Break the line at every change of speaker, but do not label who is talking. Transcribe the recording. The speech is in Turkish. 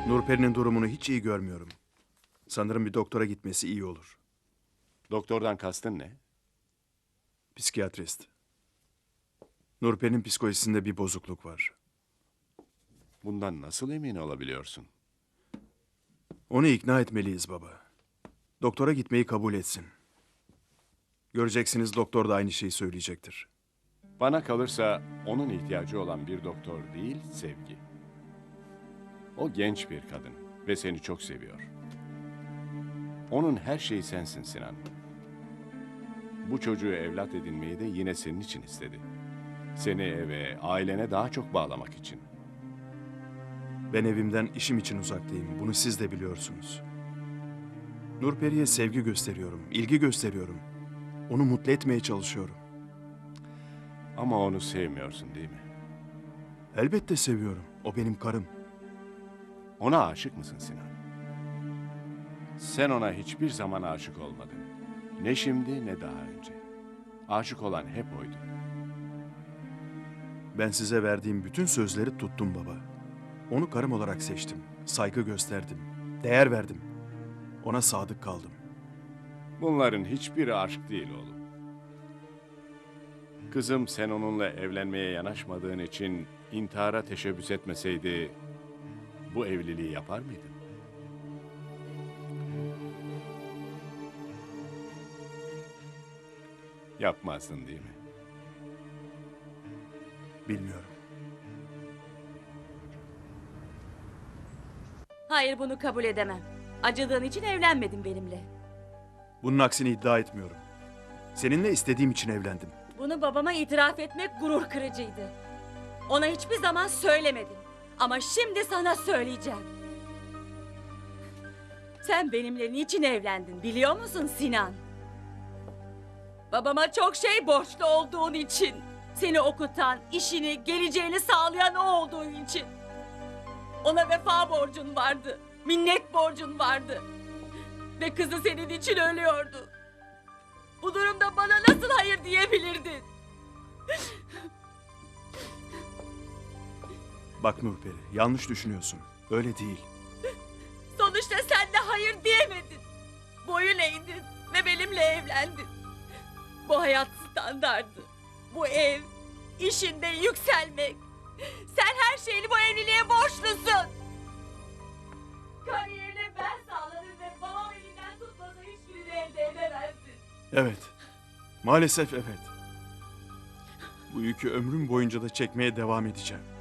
Nurperi'nin durumunu hiç iyi görmüyorum. Sanırım bir doktora gitmesi iyi olur.
Doktordan kastın ne?
Psikiyatrist. Nurperi'nin psikolojisinde bir bozukluk var.
Bundan nasıl emin olabiliyorsun?
Onu ikna etmeliyiz baba. Doktora gitmeyi kabul etsin. Göreceksiniz doktor da aynı şeyi söyleyecektir.
Bana kalırsa onun ihtiyacı olan bir doktor değil, sevgi. O genç bir kadın ve seni çok seviyor. Onun her şeyi sensin Sinan. Bu çocuğu evlat edinmeyi de yine senin için istedi. Seni eve, ailene daha çok bağlamak için.
Ben evimden işim için uzaktayım. Bunu siz de biliyorsunuz. Nurperi'ye sevgi gösteriyorum, ilgi gösteriyorum. Onu mutlu etmeye çalışıyorum.
Ama onu sevmiyorsun değil mi?
Elbette seviyorum. O benim karım.
Ona aşık mısın Sinan? Sen ona hiçbir zaman aşık olmadın. Ne şimdi ne daha önce. Aşık olan hep oydu.
Ben size verdiğim bütün sözleri tuttum baba. Onu karım olarak seçtim. Saygı gösterdim. Değer verdim. Ona sadık kaldım.
Bunların hiçbiri aşk değil oğlum. Kızım sen onunla evlenmeye yanaşmadığın için intihara teşebbüs etmeseydi bu evliliği yapar mıydın? Yapmazdın değil mi?
Bilmiyorum.
Hayır, bunu kabul edemem. Acıdığın için evlenmedin benimle.
Bunun aksini iddia etmiyorum. Seninle istediğim için evlendim.
Bunu babama itiraf etmek gurur kırıcıydı. Ona hiçbir zaman söylemedim. Ama şimdi sana söyleyeceğim. Sen benimle niçin evlendin biliyor musun Sinan? Babama çok şey borçlu olduğun için. Seni okutan, işini, geleceğini sağlayan o olduğun için. Ona vefa borcun vardı. Minnet borcun vardı. Ve kızı senin için ölüyordu. Bu durumda bana nasıl hayır diyebilirdin?
Bak Nurperi, yanlış düşünüyorsun. Öyle değil.
Sonuçta sen de hayır diyemedin. Boyun eğdin ve benimle evlendin. Bu hayat standardı. Bu ev, işinde yükselmek. Sen her şeyini bu evliliğe borçlusun. Kariyerini ben sağladım ve babam elinden tutmasa hiçbirini elde edemezdin.
Evet. Maalesef evet. Bu yükü ömrüm boyunca da çekmeye devam edeceğim.